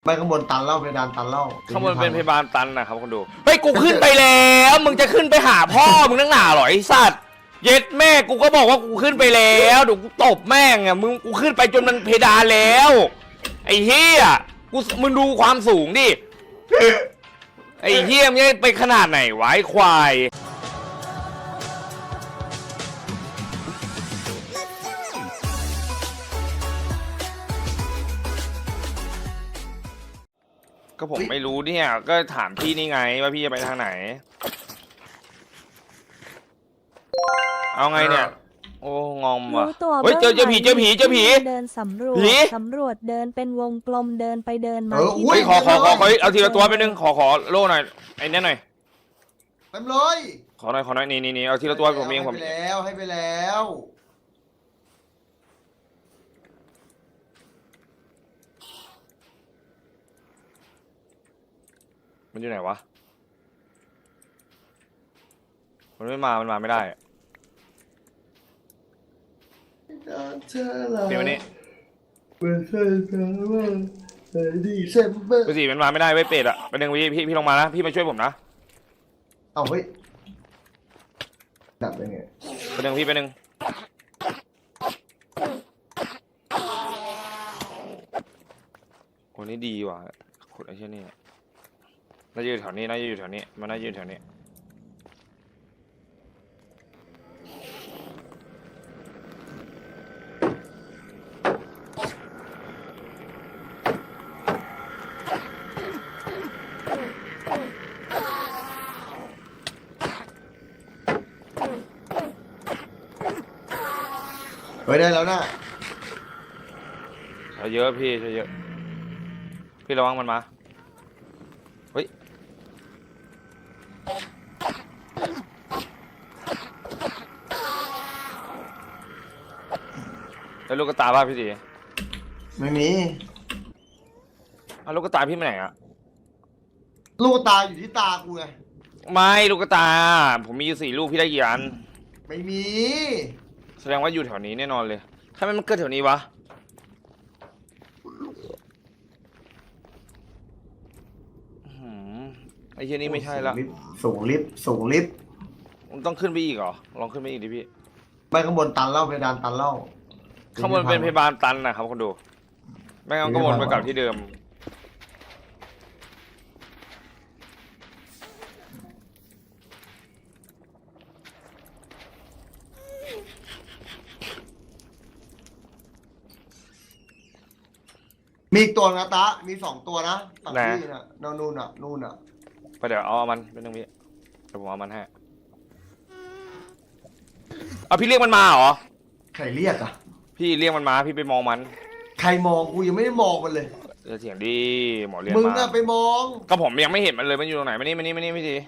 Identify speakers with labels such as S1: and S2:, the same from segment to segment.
S1: ไม่ข้างบนตันเล่าเพดานตันเล่า
S2: ข้างบนเป็นเพดานตันนะครับคนดูเฮ้ยกูขึ้นไปแล้วมึงจะขึ้นไปหาพ่อมึงนั่งหนาหรอไอ้สัตว์เย็ดแม่กูก็บอกว่ากูขึ้นไปแล้วเดี๋ยวกูตบแม่งอ่ะมึงกูขึ้นไปจนมันเพดานแล้วไอ้เฮียมึงดูความสูงดิไอ้เฮียมึงไปขนาดไหนวะไอ้ควายก็ผมไม่รู้เนี่ยก็ถามพี่นี่ไงว่าพี่จะไปทางไหนเอาไงเนี่ยโอ้งอมว่ะเฮ้ยเจอผีเดินสำรวจ
S3: เดินเป็นวงกลมเดินไปเดินมา
S2: เฮ้ยขอเอาทีละตัวไปนึงขอโล่หน่อยไอ้นี่หน่อย
S1: เต็มเลย
S2: ขอหน่อยนี่เอาทีละตัวผมเองผม
S1: ให้ไปแล้ว
S2: มันอยู่ไหนวะมันไม่มาไม่ได้เดี๋ยวนี้พี่มันมาไม่ได้ไว้เป็ดอะเป็นหนึ่งพี่ลงมานะพี่มาช่วยผมนะ
S1: เอาเฮ้ยดับได้ไง
S2: เป็นหนึ่งพี่เป็นหนึ่งคนนี้ดีว่ะคนไอ้เช่นนี่น่าจะอยู่แถวนี้มันน่าจะอยู่แถวนี้
S1: เฮ้ยได้แล้วนะ
S2: เยอะพี่เยอะพี่ระวังมันมาเฮ้ยแล้วลูกกระตาป่ะพี่ดี
S1: ไม่มี
S2: ลูกกระตาพี่ไปไหนอะ
S1: ลูกตาอยู่ที่ตากูไง
S2: ไม่ลูกกระตาผมมีอยู่4 ลูกพี่ได้กี่อัน
S1: ไม่มี
S2: แสดงว่าอยู่แถวนี้แน่นอนเลยทำไมมันเกิดแถวนี้วะไอ้เช่นนี้ไม่ใช่ละ
S1: สูงลิฟต์
S2: มันต้องขึ้นไปอีกเหรอลองขึ้นไปอีกดิพี่
S1: ไม่ข้างบนตันเล่าเพดานตันเล่า
S2: ข้างบนเป็นเพดานตันนะครับคนดูไม่งั้นก็วนไปกลับที่เดิม
S1: มีอีกตัวนะตามี2 ตัวนะฝั่งที่น่ะนู่นน่ะ
S2: ไปเดี๋ยวเอามันเป็นตรงนี้เดี๋ยวผมเอามันให้เอาพี่เรียกมันมาเหรอ
S1: ใครเรียกอ่ะ
S2: พี่เรียกมันมาพี่ไปมองมัน
S1: ใครมองกูยังไม่ได้มองมันเลย
S2: เสียงดีหมอเรียก
S1: มึง
S2: มา
S1: น่ะไปมอง
S2: ก็ผมยังไม่เห็นมันเลยมันอยู่ตรงไหนมานี่พี่ที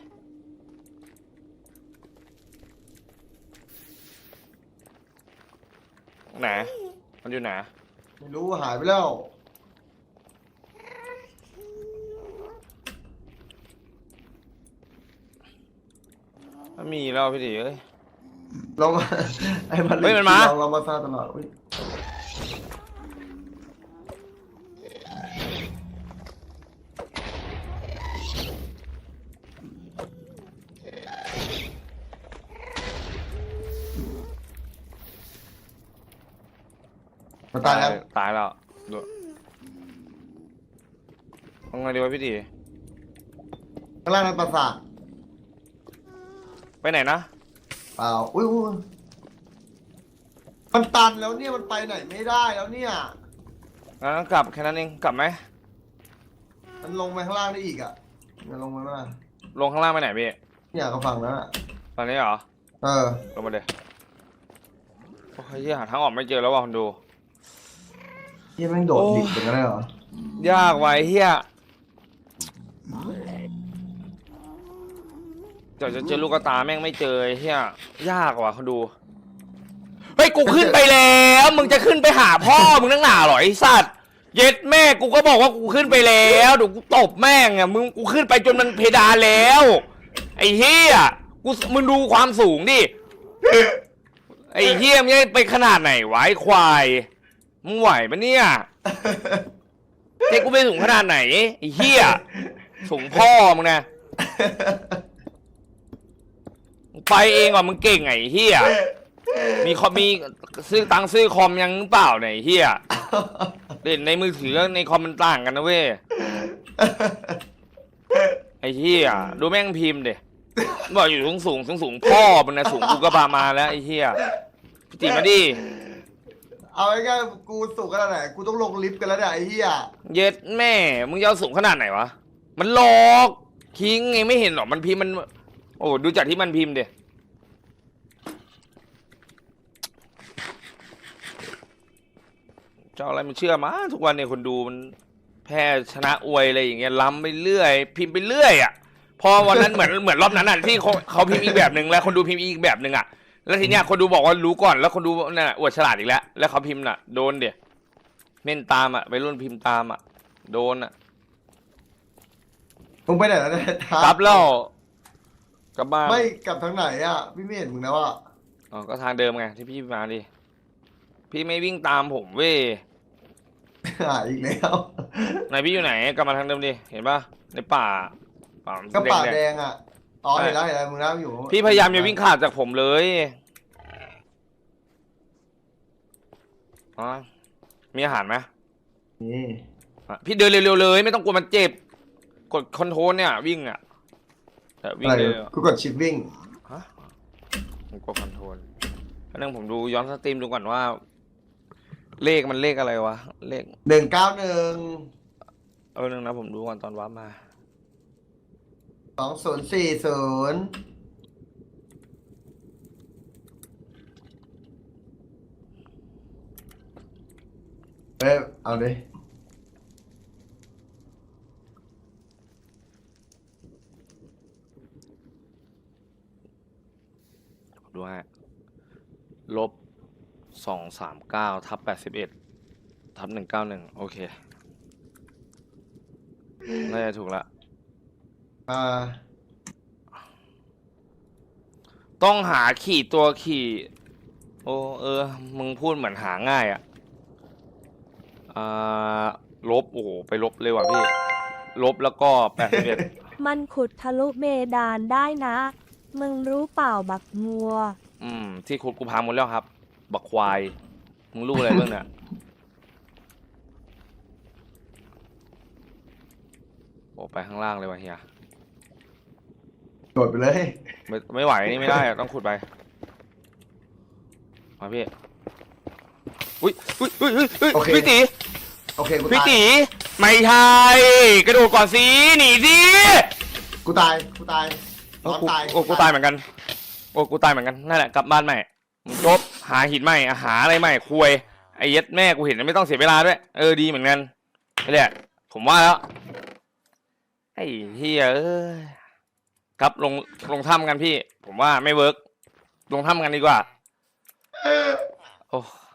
S2: ไหนมันอยู่ไหน
S1: ไม่รู้หายไปแล้ว
S2: มันมีแล้วพี่ทีเอ้ย
S1: ลองไอ้มัน
S2: เฮ้ยมันมา
S1: เรามาซาตลอดมันตายแล้ว
S2: ดูเอาไงดีวะพี่ที
S1: ข้างล่างนั้นปราสาท
S2: ไปไหนนะ
S1: เปล่าอุ้ยมันตันแล้วเนี่ยมันไปไหนไม่ได้แล้วเนี่ย
S2: งั้นกลับแค่นั้นเองกลับไหม
S1: มันลงไปข้างล่างได้อีกอ่ะมันลงมา
S2: ลงข้างล่างไปไหนพี่
S1: เนี่ยก็ฝั่งนั้นอ่ะ
S2: ฝั่งนี้เหรอลงมาเลยโอ้ยหาทางออกไม่เจอแล้วว่ะคนดู
S1: เฮียแม่งโดดดิบเป็นอะไรเหร
S2: อยากไว้เฮียจะเจอลูกตาแม่งไม่เจอเฮียยากว่ะเขาดูเฮ้ยกูขึ้นไปแล้วมึงจะขึ้นไปหาพ่อมึงนั่งหนาหรอไอ้สัตว์เย็ดแม่กูก็บอกว่ากูขึ้นไปแล้วเดี๋ยวกูตบแม่งอ่ะกูขึ้นไปจนมันเพดานแล้วไอ้เฮียมึงดูความสูงดิไอ้เฮียมึงไปขนาดไหนวะไอ้ควายมึงไหวปะเนี่ยเจ๊กูไม่สูงขนาดไหนไอ้เหี้ยสูงพ่อมึงนะไปเองก่อนมึงเก่งไงเฮียมีซื้อตังค์ซื้อคอมยังเปล่าเนี่ยเฮียเล่นในมือถือในคอมมันต่างกันนะเว้ยไอ้เฮียดูแม่งพิมพ์เด็บอกอยู่สูงพ่อมันนะสูงกูก็พามาแล้วไอ้เฮียพี่ติมาดิ
S1: เอาง่ายๆกูสูงขนาดไหนกูต้องลงลิฟต์กันแล้วเนี่ยไอ้เหี้ย
S2: เย็ดแม่มึงจะเอาสูงขนาดไหนวะมันหลอกคิงไงไม่เห็นหรอมันพิมพ์มันโอ้ดูจากที่มันพิมพ์เด็จะอะไรมันเชื่อมาทุกวันเนี่ยคนดูมันแพ้ชนะอวยอะไรอย่างเงี้ยล้ำไปเรื่อยพิมพ์ไปเรื่อยอ่ะพอวันนั้นเหมือนรอบนั้นอ่ะที่เขาพิมพ์อีกแบบหนึ่งแล้วคนดูพิมพ์อีกแบบหนึ่งอ่ะแล้วทีเนี้ยคนดูบอกว่ารู้ก่อนแล้วคนดูน่ะอวดฉลาดอีกแล้วแล้วเขาพิมพ์น่ะโดนเดี๋ยเม่นตามอ่ะไปรุ่นพิมพ์ตามอ่ะโดนอ่ะ
S1: มึงไปไหนแล้วเนี่ย
S2: กลับแล้วกลับบ้าน
S1: ไม่กลับทางไหนอ่ะพี่ไม่เห็นมึงนะว่า
S2: อ๋อก็ทางเดิมไงที่พี่มาดิพี่ไม่วิ่งตามผมเว้ย
S1: หายอีกแล้ว
S2: ไหนพี่อยู่ไหนกลับมาทางเดิมดิเห็นปะในป่า
S1: ก็ป่า
S2: แด
S1: แด
S2: ง
S1: งอ่ะอ๋อเห็นแล้วมึงนะอยู่
S2: ๆพี่พยายามจะวิ่งขาดจากผมเลยอ๋อมีอาหารไหม
S1: นี่
S2: อ่ะพี่เดินเร็วๆเลยไม่ต้องกลัวมันเจ็บกดคอนโทรลเนี่ยวิ่งอ่ะแต่วิ่ง
S1: อะไร
S2: เลย
S1: กูกดชิปวิ่ง
S2: ฮะผมกดคอนโทรลแล้วนึงผมดูย้อนสตรีมดูก่อนว่า เลขมันเลขอะไรวะเลข
S1: 191
S2: นึงนะผมดูก่อนตอนวาร์ปมา
S1: 2040เอ้ยเอาดิ
S2: ดูฮะ-239/81/191โอเคน่าจะถูกละ
S1: อ่า
S2: ต้องหาขี่ตัวขี่โอ้มึงพูดเหมือนหาง่ายอ่ะลบโอ้โหไปลบเลยว่ะพี่ลบแล้วก็81
S3: มันขุดทะลุเบดานได้นะ มึงรู้เปล่าบักงัว
S2: ที่ขุดกูพังหมดแล้วครับบักควายมึงรู้อะไรเรื่องเนี่ยโอ้ไปข้างล่างเลยว่ะเฮีย
S1: โดดไปเลย
S2: ไม่ไหวนี่ไม่ได้อะต้องขุดไปมาพี่อุ้ยพี่ตี
S1: โอเคกู
S2: พี่
S1: ตาย
S2: ตีไม่ใช่กระโดดก่อนสิหนีสิ
S1: กูตายน้องตาย
S2: โอ้กูตายเหมือนกันโอ้กูตายเหมือนกันนั่นแหละกลับบ้านใหม่จบหาหินใหม่หาอะไรใหม่คุยไอ้เย็ดแม่กูเห็นไม่ต้องเสียเวลาด้วยดีเหมือนกันนี่แหละผมว่าแล้วไอ้เฮียครับลงถ้ำกันพี่ผมว่าไม่เวิร์กลงถ้ำกันดีกว่าโอ้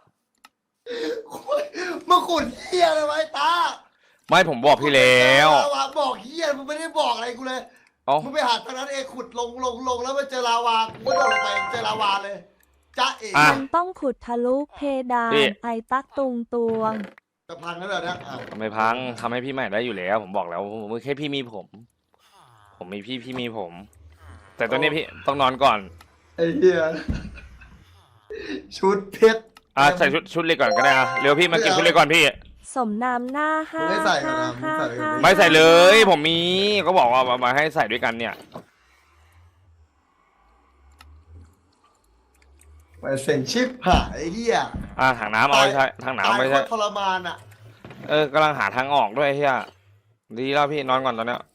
S1: มึงขุดเหี้ยอะไรไว้ตา
S2: ไม่ผมบอกพี่แล้ว
S1: บอกเหี้ยมึงไม่ได้บอกอะไรกูเลย
S2: เอ้า
S1: มึงไปหาทางนั้นเองขุดลงแล้วมาเจอลาวากูก็โดดลงไปเจอลาวาเลยจ้าเอ๋
S3: มันต้องขุดทะลุเพดานไอตักตุงตวง
S1: จะพังแล้วเหรอเนี่ย
S2: ไม่พังทำให้พี่ใหม่ได้อยู่แล้วผมบอกแล้วมึงแค่พี่มีผมมีพี่มีผม แต่ตอนนี้พี่ต้องนอนก่อน
S1: ไอ้เหี้ยชุดเพชร
S2: ใส่ชุดเล็กก่อนก็ได้เร็วพี่มากินชุดเล็กก่อนพี่
S3: สมน้ำหน้าห้า
S1: ไม่ใส่กันนะมึงใส่กัน
S2: ไม่ใส่เลย ผมมีก็บอกว่ามาให้ใส่ด้วยกันเนี่ย
S1: ไปเซ็งชิปหายไอ้เหี้ย
S2: ถังน้ำเอาไว้ใช้ถังน้ำไม่ใช่
S1: ตายโคตรทรมานอ่ะ
S2: กำลังหาทางออกด้วยเฮียดีแล้วพี่นอนก่อนตอนเนี้ย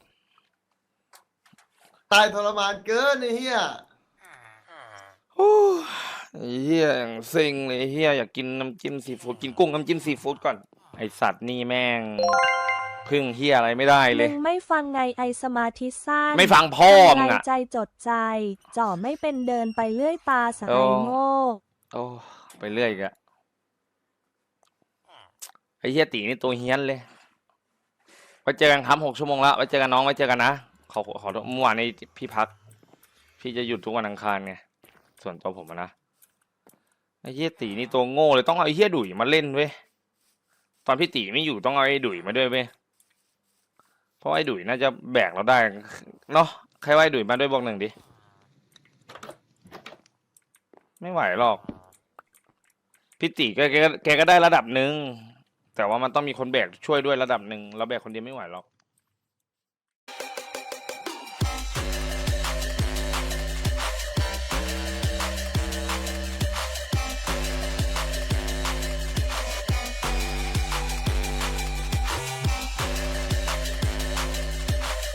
S1: ตายทรมานเกินไอ้เหี้ย
S2: เฮียอย่างเซ็งเลยเฮียอยากกินน้ำจิ้มซีฟู้ดกินกุ้งน้ำจิ้มซีฟู้ดก่อนไอสัตว์นี่แม่งพึ่งเฮียอะไรไม่ได้เล
S3: มึ
S2: ย
S3: งไม่ฟังไงไอสมาธิสั้น
S2: ไม่ฟังพ่อมึง
S3: ไร
S2: อะ
S3: ใจจดใจจ่อไม่เป็นเดินไปเลื่อยตาสายโง่
S2: โอ้ไปเรื่อยอีกอะไอเฮียตีนี่ตัวเฮี้ยนเลยไว้เจอกันครับ6 ชั่วโมงแล้วไว้เจอกันน้องไว้เจอกันนะขอเมื่อวานนี้พี่พักพี่จะหยุดทุกวันอังคารไงส่วนตัวผมนะไอเฮียตีนี่ตัวโง่เลยต้องเอาไอเฮียดุยมาเล่นเว้ยตอนพี่ตีไม่อยู่ต้องเอาไอ้ดุยมาด้วยเว้ยเพราะไอ้ดุยน่าจะแบกเราได้เนาะใครว่าไอ้ดุยมาด้วยบอกหนึ่งดิไม่ไหวหรอกพี่ตีแกก็ได้ระดับหนึ่งแต่ว่ามันต้องมีคนแบกช่วยด้วยระดับหนึ่งเราแบกคนเดียวไม่ไหวหรอก